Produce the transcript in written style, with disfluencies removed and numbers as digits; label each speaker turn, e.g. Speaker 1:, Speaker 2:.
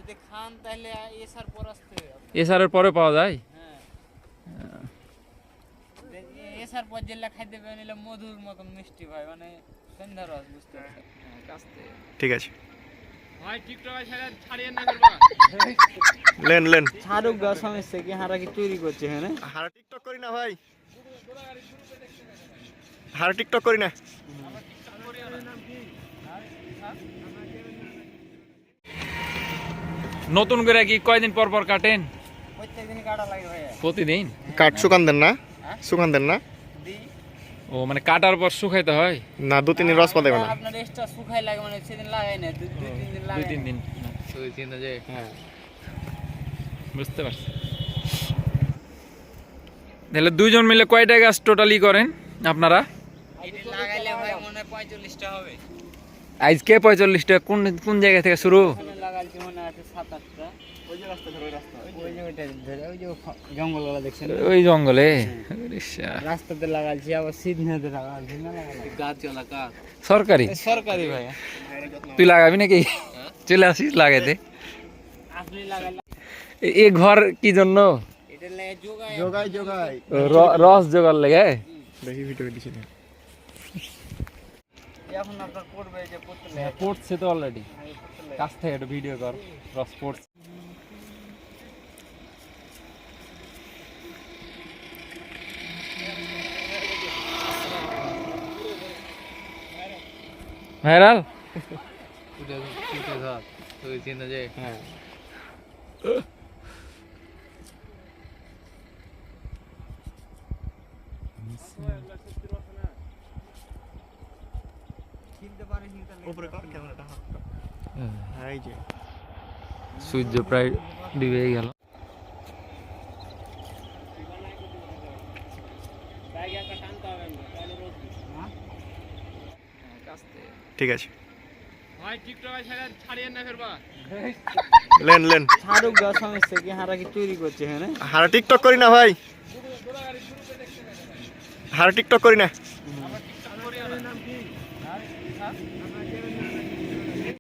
Speaker 1: যদি খান তাহলে এসার পর আসতে হবে।
Speaker 2: এসারের পরে পাওয়া যায়?
Speaker 1: হ্যাঁ, এসার পর যেগুলা খাইতে পারেন এগুলো মধুর মতন মিষ্টি ভাই, মানে সন্ধ্যা রস, বুঝতে পারছেন?
Speaker 3: ঠিক আছে,
Speaker 2: ভাই টিকটকে ছাড়িয়ে না করবা।
Speaker 3: Lane lane.
Speaker 1: ছাড়ুক গা, সমস্যা কি? হারা কি চুরি করছে? হ্যাঁ,
Speaker 3: হারা টিকটক করি না ভাই, হারা টিকটক করি না।
Speaker 2: নতুন করে কি কয়দিন পর পর কাটেন?
Speaker 1: প্রত্যেকদিন কাটা লাগে ভাই।
Speaker 2: প্রতিদিন?
Speaker 3: কাঠ শুকান দেন না? শুকান দেন না?
Speaker 2: ও মানে কাটার পর শুকাইতে হয়
Speaker 3: না, 2-3 দিন রস পাতাবে না।
Speaker 1: আপনার এক্সট্রা শুকাই লাগে, মানে সেদিন লাগাই না, 2-3 দিন লাগাই।
Speaker 2: 2-3 দিন।
Speaker 1: হ্যাঁ,
Speaker 2: বুঝতে পারছি। তাহলে দুইজন মিলে কয়টা গাছ টোটালি করেন আপনারা?
Speaker 1: এটা লাগাইলে ভাই মনে হয় 45টা হবে।
Speaker 2: আজকে 45টা? কোন কোন জায়গা থেকে শুরু?
Speaker 1: ওখানে লাগাইছি মনে আছে 7-8টা। ওই যে রাস্তা ধরে, ওই যে ওইটা ধরে, ওই যে জঙ্গলগুলো দেখছেন
Speaker 2: ওই জঙ্গলে?
Speaker 1: রাস্তাতে লাগাইছি, আবার সিধনাতে লাগাইছি না, গাছ চলা গাছ
Speaker 2: সরকারি?
Speaker 1: সরকারি ভাই।
Speaker 2: তুই লাগাবি নাকি? চলে আসিস লাগাইতে।
Speaker 1: আপনি লাগাইলে
Speaker 2: এ ঘর কি জন্য?
Speaker 1: এটা লাগে যোগায়
Speaker 3: যোগাই যোগাই।
Speaker 2: রস জোগাড় লেগে?
Speaker 3: দেখি ভিডিও দিছি না।
Speaker 1: এখন আপনার পড়বে যে পড়তে লাগে।
Speaker 2: পড়ছে তো অলরেডি, কাছ থেকে একটা ভিডিও কর। রস পড়ছে। ভাইরাল?
Speaker 1: হ্যাঁ, কিনতে পারিস নি তাহলে
Speaker 3: উপরে কর ক্যামেরাটা। হ্যাঁ, এই যে
Speaker 2: সূর্য প্রায় ডুবে গেল।
Speaker 1: জায়গাটা টানতে হবে না, তাহলে রোদ না।
Speaker 3: ঠিক আছে,
Speaker 2: ভাই টিকটকে ছাড়িয়ে না ফেরবা।
Speaker 3: Lane lane.
Speaker 1: ছাড়ুক গা, সমস্যা কি? হারা কি চুরি করছে? হ্যাঁ,
Speaker 3: হারা টিকটক করি না ভাই, হারা টিকটক করি না।